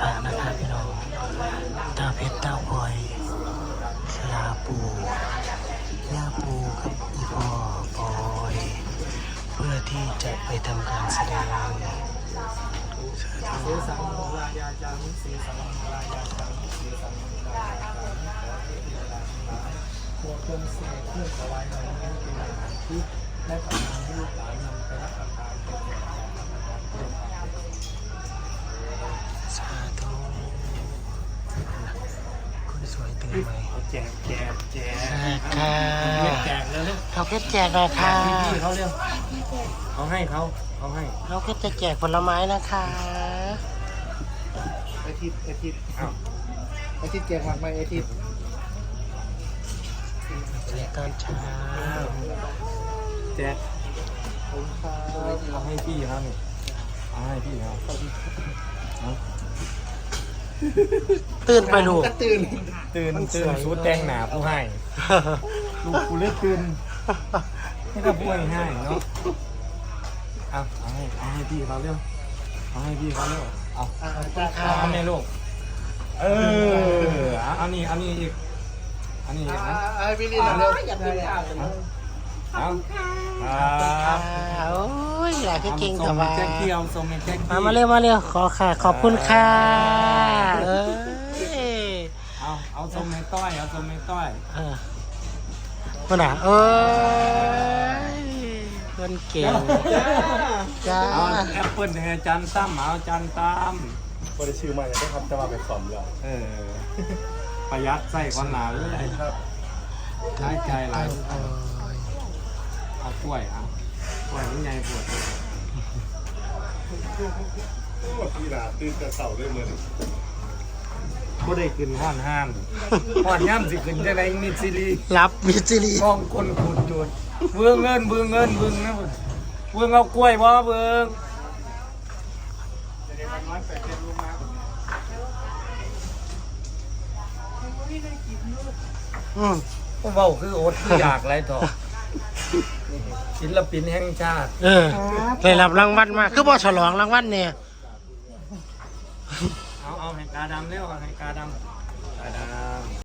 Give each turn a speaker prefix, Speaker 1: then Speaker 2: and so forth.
Speaker 1: พระนะครับพี่น้องตาเพชรตาพลอยลาปูย่าปูกับอีพ่อพลอยเพื่อที่จะไปทำการแสดง
Speaker 2: เสสังลายาจังเสสังลายาจังเสสังลายาจังขอให้เวลาทั้งหลายพวกเครื่องเสกเครื่องถวายเหล่านี้เป็นอาหารที่ได้ประทานให้ลูกหลานนำไปรับประทานเป็น
Speaker 1: สาธุคุณสวยตื่นไหม
Speaker 2: แจก
Speaker 1: ค่ะ
Speaker 2: แจกแล้วลูก
Speaker 1: เขาเพชรแจกนะค่ะ
Speaker 2: พี่เขาเรียกเขาให้เขาให้
Speaker 1: เขาเพชรจะแจกผลไม้นะคะ
Speaker 2: ไอทิพอ้าวไอทิพแจกหมากไหมไอทิพ
Speaker 1: แจกตอนเช้า
Speaker 2: แจกเอาให้พี่ครับนี่เอาให้พี่ครับ
Speaker 1: ตื่นไปลูก
Speaker 2: ตื่นสูดแดงหนาผู้ให้ลูกกูเลือกตื่นให้กับผู้ให้เนาะเอาให้พี่เขาเร็วเอาให้พี่เขาเร็วเอาแม่ลูกเอานี่อีกอันนี้นะไอ้พี่ลินเร็วอย่าพึ่งข่าวเลยครับ
Speaker 1: โอ้ยอยากให้เก่งกับว่า
Speaker 2: แจ็คเกียวส่งแจ็ค
Speaker 1: มาเร็วขอค่ะขอบคุณค่ะ
Speaker 2: เอาส่งให้ต้อย
Speaker 1: คนน่ะคนเก่งจ้า
Speaker 2: เอาแอปเปิ้ลให้จันตั้มเอาจันตั้ม
Speaker 3: บริชื่อมาจะครับจะมาเป็นสอมแล้ว
Speaker 2: ประหยัดใส่คนหนาเลยครับใช้ใจหลายเอากล้วยนี่ใหญ่ปวด
Speaker 3: พี่ลาตื่นแต่เสาด้วยมือ
Speaker 2: ก็ได้ขึ้นห้อนห้ามสิขึ้นจะได้มิซิลี
Speaker 1: รับมิซิลี
Speaker 2: มองคนขุดจุดเบื้องเงินนะเบื้องเอากล้วยบ่เบื้องก็เบาคืออดคืออยากไรต่อศิลปินแห่งชาติ
Speaker 1: ได้รับรางวัลมาคือบ่ฉลองรางวัลเนี่ย
Speaker 2: เอาให้กาดำเร็วให้กาดำ